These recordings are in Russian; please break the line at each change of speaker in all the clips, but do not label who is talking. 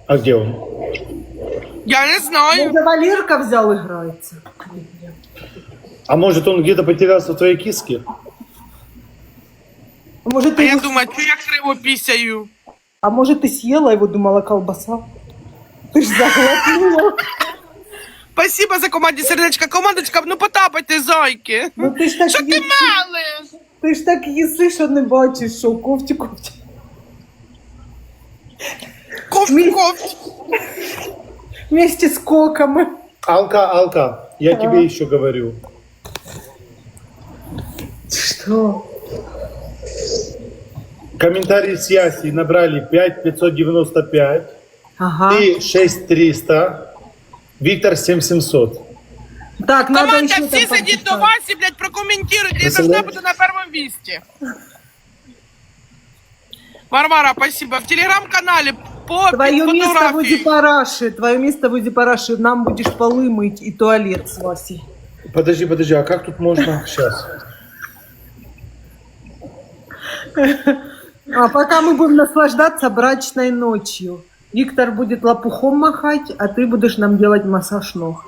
А где он?
Я не знаю.
Может, Валерка взял, играется.
А может, он где-то потерялся в твоей киске?
Может,
А
ты
я
его...
думаю, що я криво пісяю.
А может, ты съела его, думала, колбаса? Ты ж заглотнула.
Спасибо за команді сердечка. Командочка, ну потапайте, зайки.
Ну ти ж так
Що ти
їси,
мелиш?
ти ж так їси, що не бачиш, що ковті.
Ковть.
Вместе с коками.
Алка, я тебе еще говорю.
Что?
Комментарии с Яси набрали 5595,
Ага.
ты 6300, Виктор 7700.
Так, надо
Команда,
еще
всі
там
сидіть до
почитать.
Васі, блядь, прокоментуйте. Я должна бути на першому місці. Варвара, спасибо. В телеграм-канале по
Твое место в
фотографии.
Уди-Параше. Твое место в Уди-Параше. Нам будешь полы мыть и туалет с Васей.
Подожди, а как тут можно сейчас?
А пока мы будем наслаждаться брачной ночью. Виктор будет лопухом махать, а ты будешь нам делать массаж ног.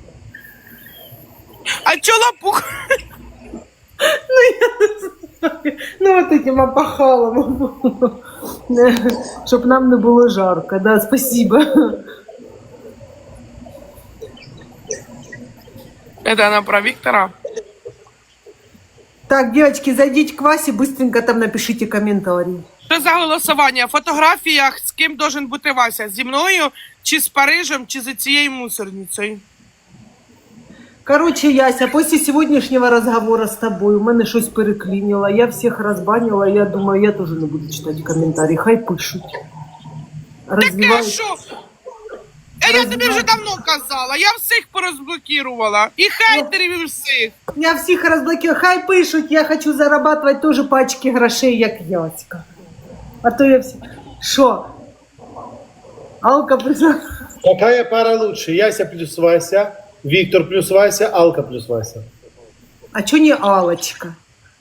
А чё лопух?
Ну, вот этим опахалом. Чтоб нам не было жарко. Да, спасибо.
Это она про Виктора.
Так, девочки, зайдите к Васе, быстренько там напишите комментарий.
Що за голосування? В фотографіях з ким должен бути Вася? Зі мною, чи з Парижем, чи за цією мусорницею?
Короче, Яся, после сегодняшнего разговора с тобой у мене щось переклинило. Я всех разбанила, я думаю, я тоже не буду читать комментарии. Хай пишуть.
Таке що? Я тобі вже давно казала, я всіх порозблокувала. І хейтерів, і всіх.
Я всіх розблокирую. Хай пишуть, я хочу зарабатывать тоже пачки грошей, як Яська. А то я всі... Що? Алка прийшла.
Какая пара лучше? Яся плюс Вася, Виктор плюс Вася, Алка плюс Вася.
А чо не Алочка?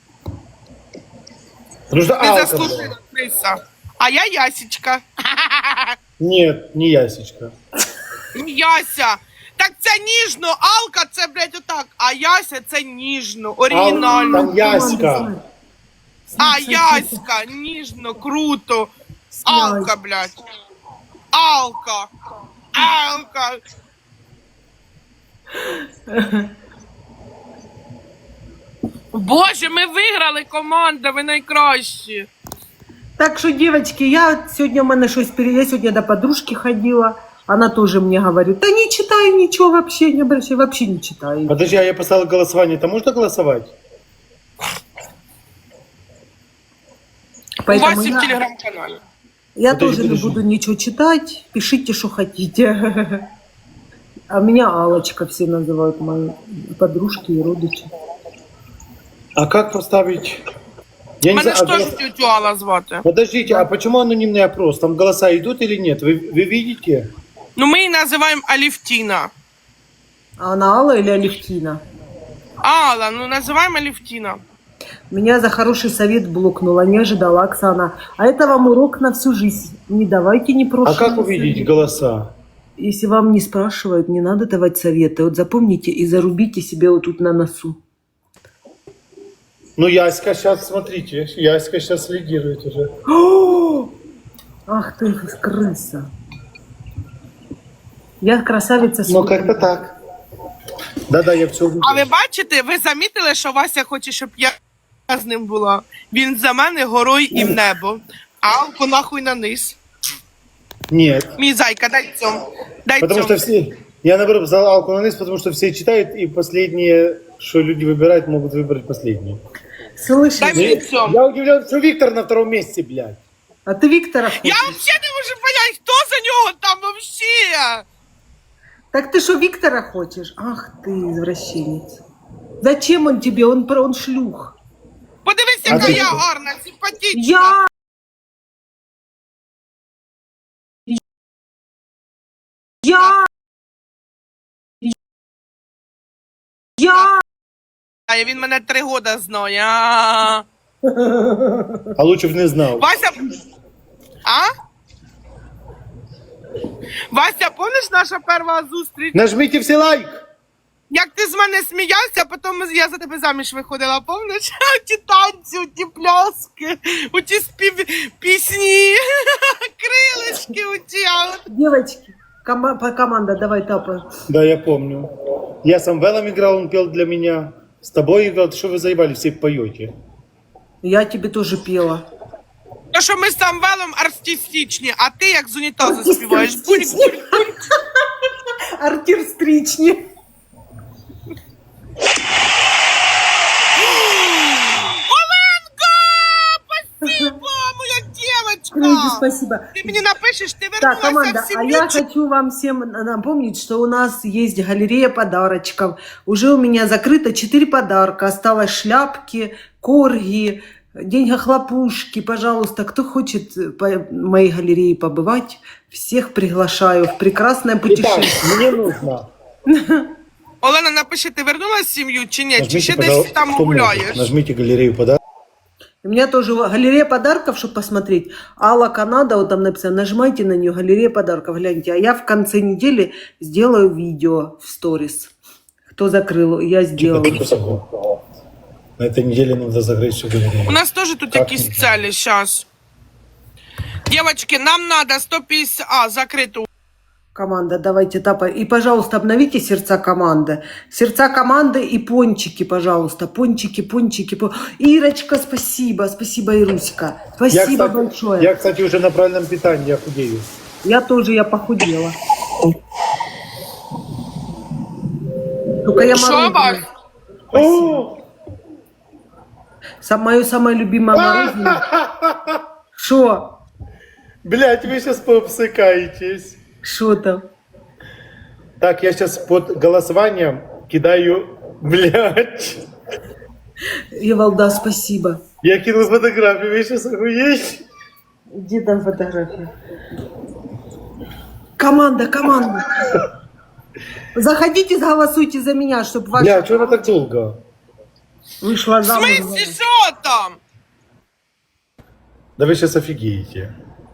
Потому что
Ти
Алка
заслужила,
была.
Криса. А я Ясічка.
Нет, не Ясечка.
Яся. Так це ніжно, Алка це, блядь, отак. А Яся це ніжно, оригінально.
Там Яська.
А Яська, ніжно, круто. Алка, блядь. Алка. Алка. Боже, ми виграли, команда, ви найкращі.
Так что, девочки, я сегодня у меня что-то я сегодня до подружки ходила. Она тоже мне говорит, да не читаю ничего вообще, не обращай, вообще не читаю.
Подожди, а я поставил голосование, там можно голосовать?
У
Поэтому
вас і в
я,
телеграм-каналі.
я
Подожди,
тоже не
подожди.
буду ничего читать, пишите, что хотите. А меня Алочка все называют, мои подружки и родичи.
А как поставить? Я не
Мене
знаю,
ж теж тетю Алла звати.
Подождите, а почему анонимный опрос? Там голоса идут или нет? Вы видите?
Ну, ми її називаємо Алівтіна.
А она Алла или Алевтина?
Алла, ну називаємо Алівтіна.
Меня за хороший совет блокнула, не ожидала Оксана. А это вам урок на всю жизнь. Не давайте
А
непрошенные
как увидеть
советы.
голоса?
Если вам не спрашивают, не надо давать советы. Вот запомните и зарубите себе вот тут на носу.
Ну, Яська сейчас, смотрите, Яська сейчас лидирует уже.
Ах ты, крыса. Я красавица.
Ну, как-то так. Да-да, я все увидел.
А ви бачите, ви замітили, що Вася хоче, щоб я з ним була? Він за мене горою і в небо. А Алку нахуй на низ.
Нет.
Мій зайка, дай цьому. Дай
Потому
цьому.
что все... Я, наоборот, взял Алку на низ, потому что все читают, и последние, что люди выбирают, могут выбрать последние.
Слышишь?
Дай мені цьому.
Я удивлен, что Виктор на втором месте, блядь.
А ты Виктора хочешь?
Я взагалі не можу понять, хто за нього там вообще.
Так ты что, Виктора хочешь? Ах ты, извращенец. Зачем он тебе? Он шлюх.
Подивись,
А
яка
ти
я
що?
гарна, симпатична.
Я.
А він мене 3 роки знає. А.
А лучше бы не знал.
Вася. А? Вася, помниш наша перша зустріч?
Нажмите все лайк.
Як ти з мене сміявся, а потім я за тебе заміж виходила, помниш? Ті танці, ті пляски, ті пісні, крилишки оті.
Девочки, команда, давай тапай.
Да, я помню. Я с Амвелом играл, он пел для меня. С тобой играл, что вы заебали, все поете.
Я тебе тоже пела.
То, що ми з Самвелом артистичні, а ти як з унітазу співаєш. Бунь-бунь.
Артистрични.
Оленка! Спасибо, моя
Люди,
девочка!
спасибо.
Ти мені напишеш, ти
Так,
вернулася
команда,
в
а я
сім'ю.
хочу вам всем напомнить, что у нас есть галерея подарочков. Уже у меня закрыто 4 подарка. Осталось шляпки, корги, деньги-хлопушки. Пожалуйста, кто хочет по моей галерее побывать, всех приглашаю в прекрасное
Итак,
путешествие.
мне нужно.
Олена, напиши, ти вернулася в сім'ю чи ні? Чи
Нажмите,
ще десь
пожалуйста,
там
кто может,
гуляєш?
нажмите галерею подарков.
У меня тоже галерея подарков, чтобы посмотреть. Алла Канада, вот там написано, нажимайте на нее, галерея подарков, гляньте. А я в конце недели сделаю видео в сторис. Кто закрыл, я сделаю.
На этой неделе надо закрыть всю галерею.
У нас теж тут
Так,
якісь
ні.
цілі, щас. Девочки, нам надо 150... А, закриту.
Команда, давайте тапай. И, пожалуйста, обновите сердца команды. Сердца команды и пончики, пожалуйста. Пончики, пончики. Ирочка, спасибо. Спасибо, Ируська. Спасибо большое.
Я, кстати, уже на правильном питании, я худею.
Я тоже, я похудела. Только я
Що,
мороженое.
Вась?
О!
Мое самое любимое мороженое. Шо?
Блять, вы сейчас пообсыкаетесь.
Шо там?
Так, я сейчас под голосованием кидаю, блядь.
Евалда, спасибо.
Я кинул фотографию, вы сейчас охуеете?
Где там фотография? Команда, команда. Заходите, голосуйте за меня, чтобы ваша
Бля, что она так долго?
вышла
В
замуж.
смысле, що там?
Да вы сейчас офигеете.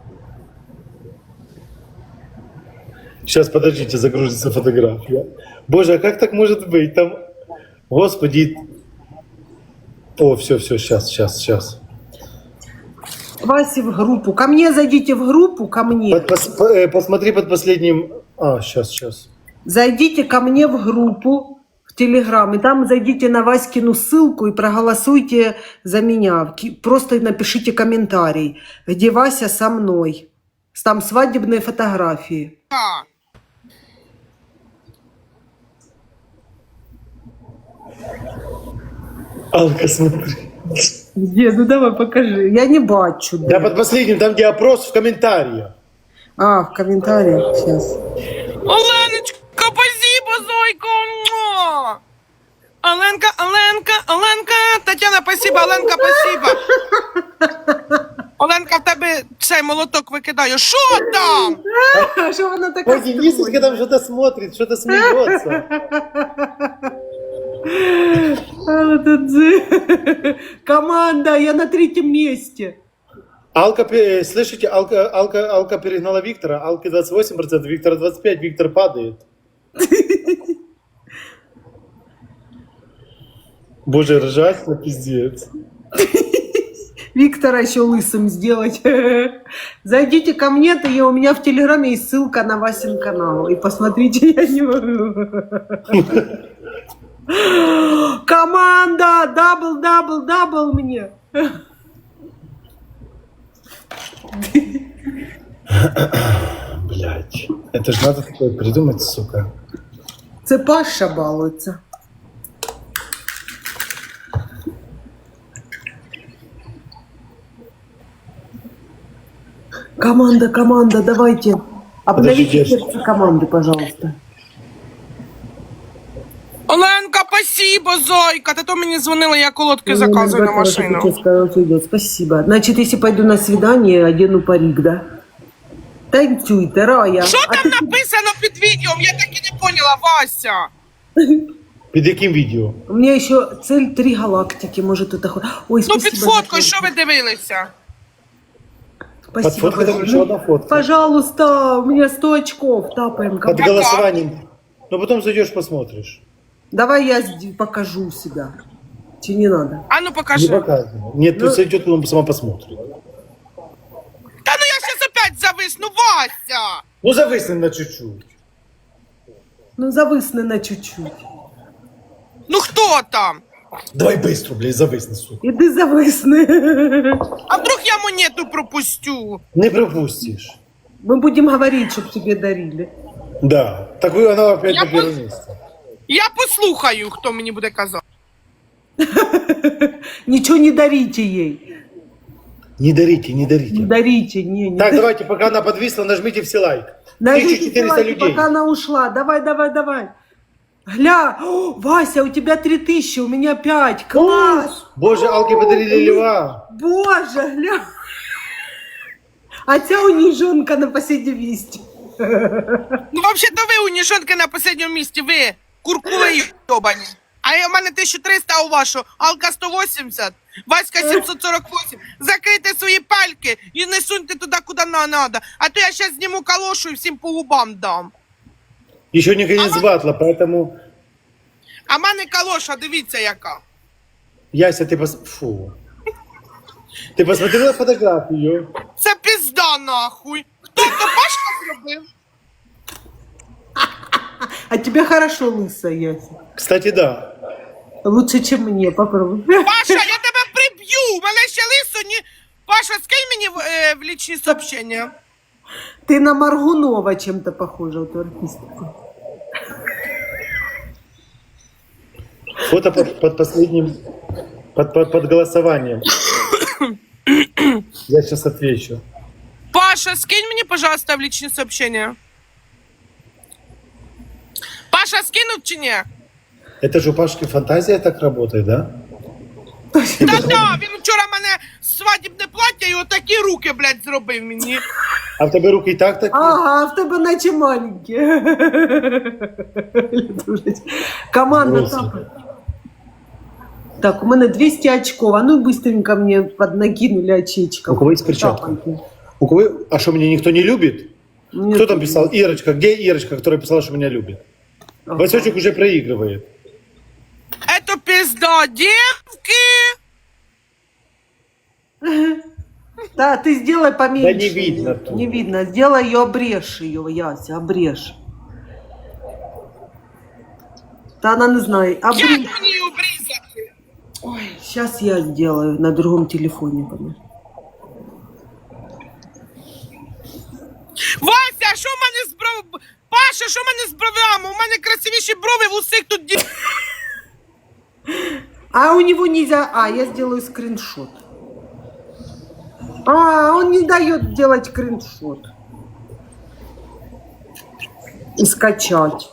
Сейчас, подождите, загрузится фотография. Боже, а как так может быть? Там, господи. О, все, сейчас.
Васе в группу. Ко мне зайдите в группу, ко мне.
Посмотри под последним. А, сейчас.
Зайдите ко мне в группу в Телеграм. И там зайдите на Васькину ссылку и проголосуйте за меня. Просто напишите комментарий, где Вася со мной. Там свадебные фотографии.
А.
Алка, смотри.
Где? Ну давай покажи. Я не бачу.
Да, под последним, там, где опрос в комментариях.
А, в комментариях сейчас.
Оленочка, спасибо, Зойко. Муа. Оленка. Тетяна, спасибо, Оленка, спасибо. Оленка, в тебе цей молоток викидаю. Що там?
Что она такая?
Ой, Денисочка там что-то смотрит, что-то смеется.
Команда, я на 3-м месте.
Алка, слышите, Алка перегнала Виктора. Алки 28%, Виктора 25%, Виктор падает. Боже, ржать на пиздец.
Виктора еще лысым сделать. Зайдите ко мне, то я, у меня в Телеграме есть ссылка на Васин канал. И посмотрите, я не могу. Команда! Дабл мне.
Блять, это же надо такое придумать, сука.
Це Паша балується. Команда, давайте. Обновите
Подожди,
сердце команды, пожалуйста.
Оленка, спасибо, Зойка. Ти то мені дзвонила, я колодки заказую на машину.
Спасибо. Значит, если пойду на свидание, одену парик, да? Танцуйте, Рая.
Що там написано під відео? Я так і не поняла, Вася.
Під яким відео?
У меня еще цель 3 галактики, может это... Ой,
Ну,
спасибо.
під фоткою, що ви дивилися?
Спасибо
фоткой там
большое.
еще одна фотка.
Пожалуйста, у меня 100 очков. Тапаем.
Под голосованием. Но потом зайдешь, посмотришь.
Давай я покажу себя. Че не надо?
А ну
Не
покажи.
показывай. Нет, пусть зайдет, потом сама посмотрит.
Та ну я сейчас опять зависну, Вася!
Ну, зависни на чуть-чуть.
Ну, зависни на чуть-чуть.
Ну хто там?
Давай быстро, блядь, зависни, сука.
Іди зависни.
А вдруг я монету пропустю?
Не пропустишь.
Мы будем говорить, чтобы тебе дарили.
Да. Так вы, она опять
Я
на первом месте.
Я послухаю, хто мені буде казати.
Ничего не дарите ей.
Не дарите, не дарите.
Не дарите, не
Так, давайте, пока она подвисла, нажмите все лайк.
Нажмите
1400
лайк,
людей.
пока она ушла. Давай, давай, давай. Гля, о, Вася, у тебя 3000, у меня 5. Класс.
Боже, Алке подарили льва.
Боже, гля. А ця униженка на последнем месте.
Ну, взагалі-то ви уніжонки на останньому місці, ви куркули йобані. А у мене 1300, а у вашу Алка 180, Васька 748. Закрийте свої пальки і не суньте туди, куди надо. А то я зараз зніму калошу і всім по губам дам.
Еще не конец батла, поэтому...
А в мене калоша, дивіться яка.
Яся, Фу. Ты посмотрела фотографию?
Це пізда нахуй. Хто то Пашка зробив?
А тебя хорошо лысая, Яся.
Кстати, да.
Лучше, чем мне, попробуй.
Паша, я тебе приб'ю! У мене ще лисо ні... Паша, скинь мені в лічні сообщення.
Ты на Маргунова чем-то похожа, вот артистку.
Фото под последним... Под голосованием. Я сейчас отвечу.
Паша, скинь мені, пожалуйста, в лічні сообщення. Паша, скинув чи ні?
Это же у Пашки фантазия так работает, да?
Та-да, він вчора мене свадібне плаття і отакі руки, блядь, зробив мені.
А в тебе руки и так такие?
Ага, в тебе наче маленькі. Команда
Бросили.
тапает. Так, у мене 200 очков. А ну быстренько мне поднакинули очечков.
У кого есть перчатка?
Тапайте.
У кого... А что, меня никто не любит?
Нет.
Кто там писал? Ирочка. Где Ирочка, которая писала, что меня любит?
Ага.
Васечек уже проигрывает.
Это пизда, девки!
Да, ты сделай поменьше.
Да не видно тут.
Не видно. Сделай ее, обрежь ее, Яся, обрежь. Да она не знает.
Як
Обрежь.
мені її обрізати?
Ой, сейчас я сделаю на другом телефоне.
Вася, що в мене з бров... Паша, що в мене з бровями? У мене красивіші брови в усіх тут ді...
А у него нельзя... А, я сделаю скриншот. А, он не дает делать скриншот. И скачать.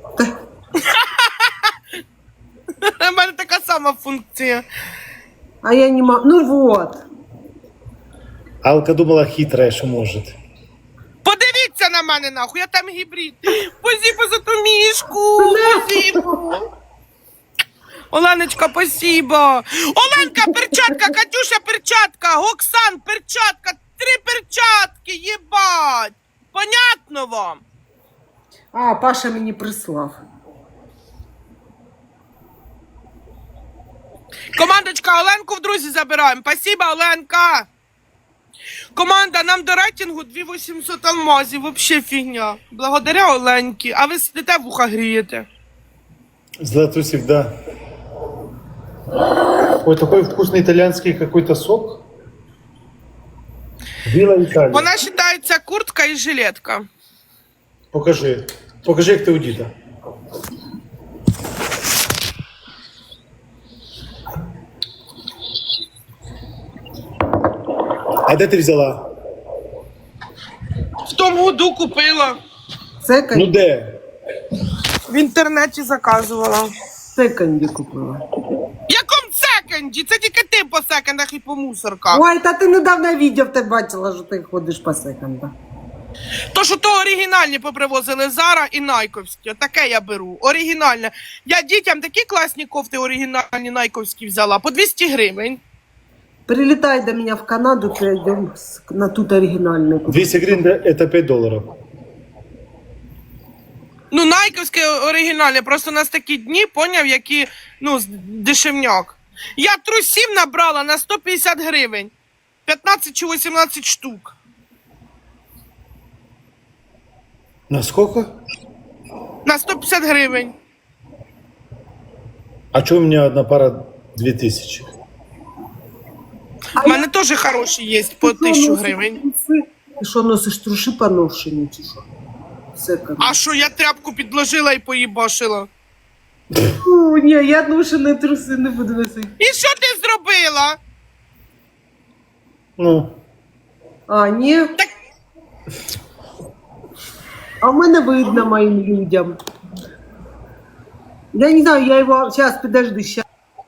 У мене така сама функція.
А я не могу. Ну вот.
Алка думала хитрая, что может.
Подивіться на мене, нахуй, я там гібрид. Спасибо за ту мішку. Спасибо. Оленочка, спасибо. Оленка, перчатка, Катюша, перчатка, Оксан, перчатка, 3 перчатки, єбать. Понятно вам?
А, Паша мені прислав.
Командочка, Оленку в друзі забираємо. Спасибо, Оленка. Команда, нам до рейтингу 2800 алмазів. Вообще фігня. Благодаря Оленьки. А ви сидите, вуха грієте.
Златусик, да. Ой, такой вкусный итальянский какой-то сок. Вилла Италия.
Вона вважається куртка і жилетка.
Покажи. Покажи, як ти удіта. А де ти взяла?
В тому году купила.
Секонді,
Ну де?
В інтернеті заказувала.
секонді купила.
В якому секонді? Це тільки ти по секондах і по мусорках.
Ой, та ти недавно відео в тебе бачила, що ти ходиш по секондах.
То, що то оригінальні попривозили Зара і Найковські. Таке я беру. Оригінальне. Я дітям такі класні кофти оригінальні Найковські взяла. По 200 гривень.
Прилетай до меня в Канаду, пойдем на тут оригинальный.
200 гривен это 5 долларов.
Ну, найковське оригінальне, просто у нас такі дні, поняв, які, ну, дешевняк. Я трусів набрала на 150 гривень. 15 чи 18 штук.
На сколько?
На 150 гривень.
А что у меня одна пара 2000?
У мене теж хороші є по 1000 гривень.
Ти що носиш труши поношені, чи що? Все как.
А що, я тряпку підложила і поїбашила?
Фу, ні, я ношені труси не буду носити.
І що ти зробила?
Ну,
А, ні?
Так,
А в мене видно моим людям. Я не знаю, я его... Сейчас, подожди, сейчас.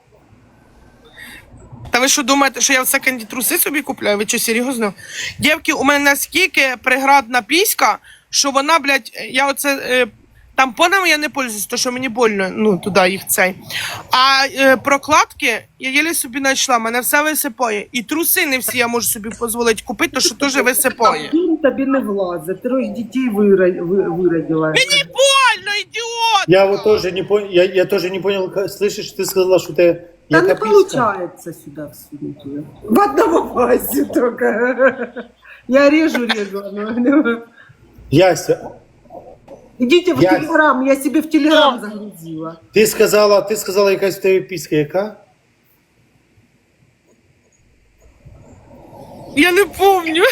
та ви що думаєте, що я в секонді труси собі купляю? Ви що, серйозно? Дівки, у мене наскільки приградна піська, що вона, блядь, я оце... тампонами я не пользуюсь, то що мені больно, ну, туди їх цей. А прокладки я єлі собі знайшла, мене все висипає. І труси не всі я можу собі дозволити купити, то що теж висипає.
Він тобі не влазить. 3 дітей виродила.
Мені больно, ідіот!
я вот тоже не понял, я тоже не понял, слышишь, ты сказала, что ты...
Да не
яка писька?
получается сюда всунуть ее. В одного пасти только. Я режу.
Яся,
Идите в
Я-
Телеграм, я себе в Телеграм загрузила.
ти сказала якась в тебе піська, яка?
Я не помню.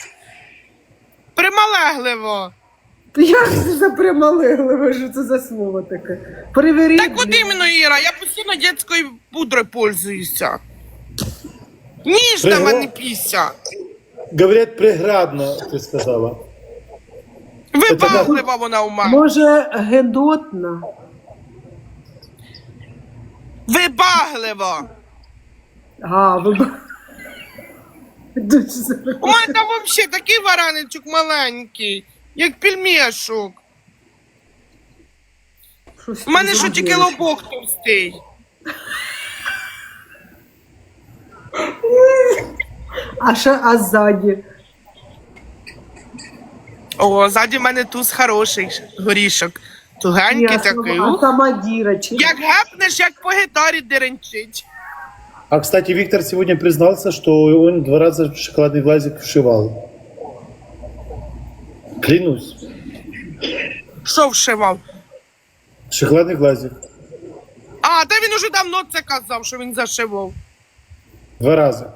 Прималегливо.
Як це за прималегливо, що це за слово таке? Перевіріть.
Так от іменно, Іра, я постійно дитячою пудрою пользуюся. Ніжна
Пригла-
мене піся.
Говорять, приградно, ти сказала.
Вибаглива вона у мене.
Може, гедотна?
Вибаглива.
А, ви... Дуже
У мене там взагалі такий вараничок маленький, як пельмешок.
Щось
У мене
ти
що тільки
зробила.
лобок товстий.
А ззаді?
О, ззаді в мене туз хороший горішок. Тугенький такий.
А сама дірочка.
Як гепнеш, як по гітарі деренчить.
А, кстати, Виктор сегодня признался, что он 2 раза шоколадный глазик вшивал. Клянусь.
Що вшивав?
Шоколадный глазик.
А, та він уже давно це казав, що він зашивав.
2 раза.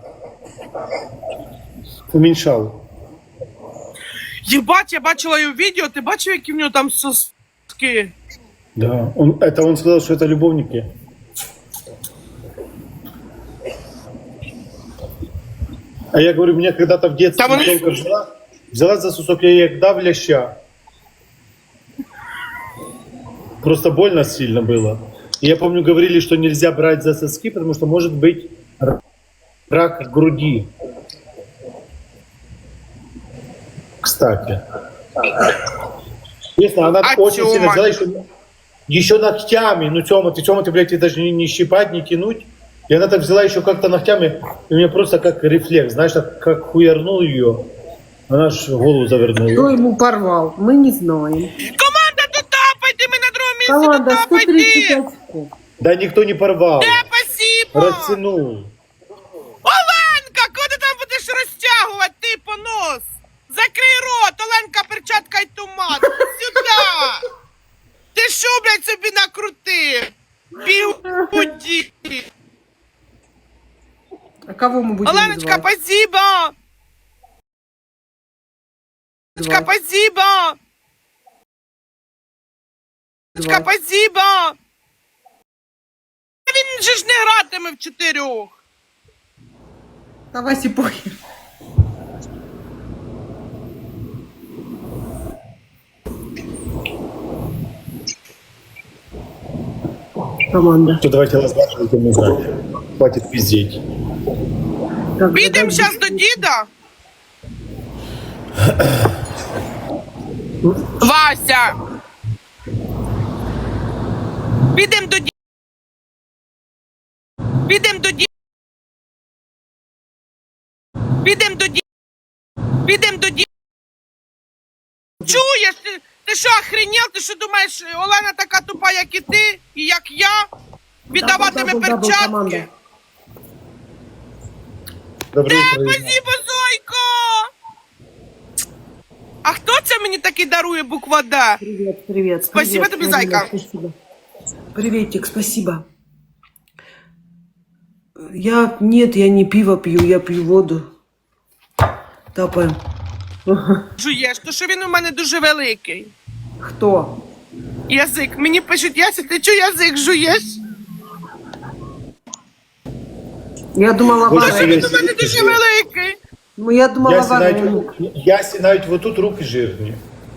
Уменьшал.
Єбать, я бачила його відео, ти бачив, які в нього там соски?
Да. Он сказал, что это любовники. А я говорю, меня когда-то в детстве
Там он-
только взяла за сусок, я ей дав ляща. Просто больно сильно было. И я помню, говорили, что нельзя брать за соски, потому что может быть рак груди. Кстати. Честно, она
А
очень
Тёма?
сильно взяла еще ногтями. Ну, Тёма, ты, блядь, ты даже не щипать, не тянуть. И она так взяла еще как-то ногтями, и у меня просто как рефлекс, знаешь, так как хуярнул ее, она ж голову
Хто
завернула.
йому порвав? Ми не знаємо.
Команда, дотапайте, ми на другому місці,
Команда
дотапайте!
135 очков.
Да никто не порвал,
Спасибо!
растянул.
Оленка, коли ти там будеш розтягувати, ти понос? Закрий рот, Оленка, перчатка й туман. Сюди! Ти що, блядь, собі накрутив? Бігуді!
А кого мы будем
Оленочка,
звать?
спасибо! Оленочка, спасибо! Оленочка, спасибо! Він же ж не гратиме в 4.
А Васе похер. Команда.
То давайте разговаривать, не знаю. Хватит пиздеть.
Так,
Підемо
подожди.
зараз до діда. Вася! Підемо до діда. Підемо до діда. Підемо до ді... Підемо до ді... Чуєш? Ти що, охренел? Ти що думаєш, Олена така тупа, як і ти, і як я? Віддаватиме перчатки?
команда.
Доброе утро.
Спасибо, Зойко! А хто це мені таки дарує буква Д?
Привет, привет.
Спасибо
привет,
тебе,
Марина,
зайка.
Спасибо. Приветик, спасибо. Нет, я не пиво пью, я пью воду. Тапаем.
Жуєш, то що він у мене дуже великий.
Кто?
Язик. Мені пишуть, Яся, ти чого язик жуєш?
Я думала,
Боже,
То що
варенье.
він у мене дуже великий.
Ну, я думала,
Ясі
варенье.
навіть вот тут руки жирні.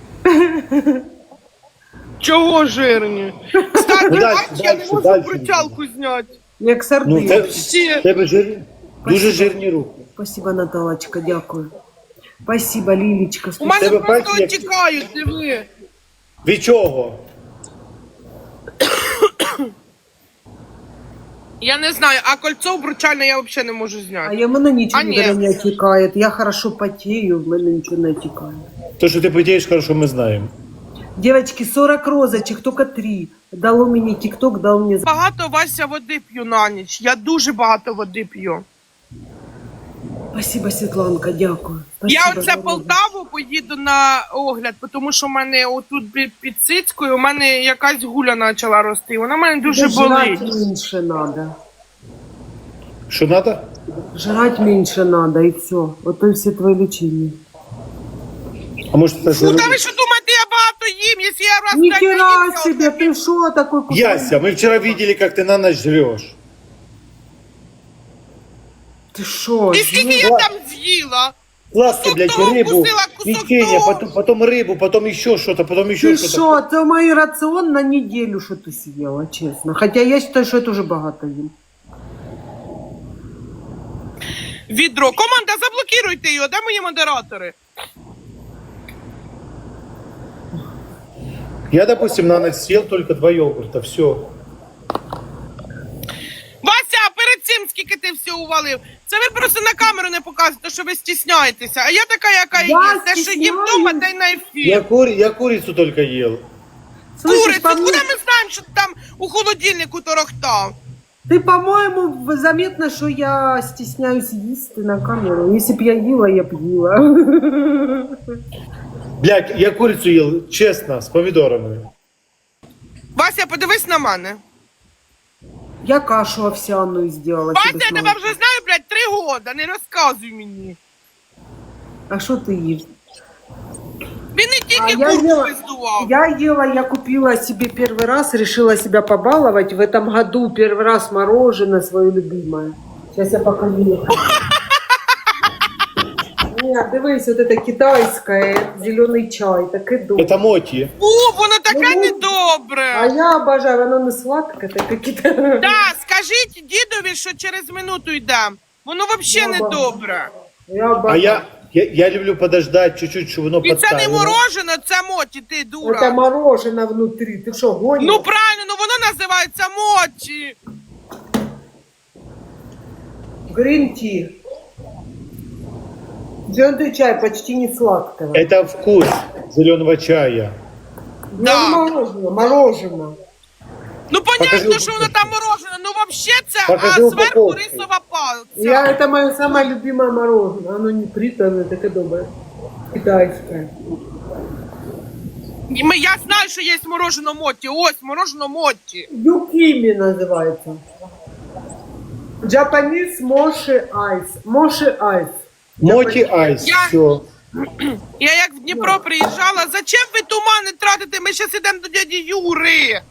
Чого жирні? Кстати,
Ну, дальше,
бач, я не
дальше,
можу
дальше.
брутялку зняти.
Як
Ну,
сардина.
Всі.
тебе жирні, дуже жирні руки.
Спасибо, Наталочка, дякую. Спасибо, Лилечка.
У мене
Тебе
просто
пальці як-
тікають, диви.
Від чого?
Я не знаю, а кольцо обручальне я взагалі не можу
А
зняти.
я мене нічого
А, ні.
не отекает. Я хорошо потею, в мене нічого не отекает.
То, що ти потієш, хорошо, ми знаємо.
Девочки, 40 розочек, только 3. Дало мені тикток, дал мне...
Багато, Вася, води п'ю на ніч. Я дуже багато води п'ю.
Спасибо, Світланка, дякую. Спасибо,
Я оце
дорога.
Полтаву поїду на огляд, тому що в мене отут під цицькою у мене якась гуля почала рости. Вона в мене дуже
Жрать
болить.
меньше надо.
Що надо?
Жрать меньше надо, и все. Вот и все твои лечения.
А може це
Ну та ви що думаєте, я багато їм, якщо я раз
Ни
так
хера
наївся,
себе,
от
ты шо такой кусок?
Яся, мы вчера видели, как ты на ночь жрешь.
Ты шо?
І скільки я там з'їла?
Сладко,
Кусок
блядь,
того
рыбу,
вкусила, кусок
печенье,
того.
потом рыбу, потом еще что-то, потом еще
Ты
что-то.
шо? Это мой рацион на неделю, что ты съела, честно. Хотя я считаю, что это уже богато им.
Відро. Команда, заблокируйте його, де мої модератори?
Я, допустим, на ночь съел только 2 йогурта, все.
Вася, а перед цим скільки ти все увалив? Це ви просто на камеру не показуєте, що ви стісняєтеся. А я така, яка
Я
є. Те, що їм
стісняюсь.
вдома, та й на ефір.
Я курицу только ел.
Слышишь,
Курицю,
по
куди
мне,
ми знаємо, що там у холодильнику торохтав?
ты, по-моему, заметно, что я стесняюсь есть на камеру. Если б я ела, я б ела.
Блядь, я курицу ел, честно, с помидорами.
Вася, подивись на мене.
Я кашу овсяную сделала.
Вася,
тебе
я
с
тебе
молоком.
вже знаю, блядь, 3 года, не розказуй мені.
А что ты ешь?
Він не тільки
я
курку
ела-
виздував.
Я купила себе первый раз, решила себя побаловать. В этом году первый раз мороженое свое любимое. Сейчас я покажу. Нет, дивись, вот это китайское, зеленый чай, так и добре.
Это моти.
О, воно таке
Ну,
недобре.
А я обожаю, оно не сладкое, так и китайское.
Да, скажіть дідові, що через минуту йдем. Воно взагалі
Баба.
недобре.
Я
А
обожаю.
я люблю подождать чуть-чуть, чтобы оно
І це не
подтаяло.
морожене, це моті, ти
Это
дура.
мороженое внутри, ты что, гонишь?
Ну правильно, ну воно називається моті.
Грин-ти. Зеленый чай почти не сладкого.
Это вкус зеленого чая.
Да.
Ну, мороженое, мороженое.
Ну понятно,
Покажи
що воно там морожене, ну взагалі це,
Покажи
а зверху
упаковку.
рисова
Я,
палиця.
это мое самое любимое мороженое. Оно не приторное, так и доброе. Китайское.
Я знаю, що є морожене моті. Ось, морожене моті.
Юкими называется. Japanese Moshi Ice. Moshi Ice.
Моти айс,
Я-
все.
Я як в Дніпро приїжджала, зачем ви тумани тратите? Ми зараз йдемо до дяді Юри.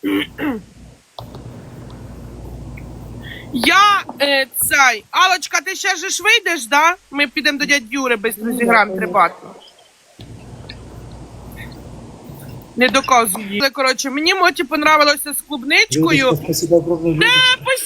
Цей. Алочка, ти ще ж вийдеш, да? Ми підемо до дяді Юри, швидко зіграємо трибати. Не доказуй їй. Але, коротше, мені моті понравилося з клубничкою.
Спасибо огромное. Людочка.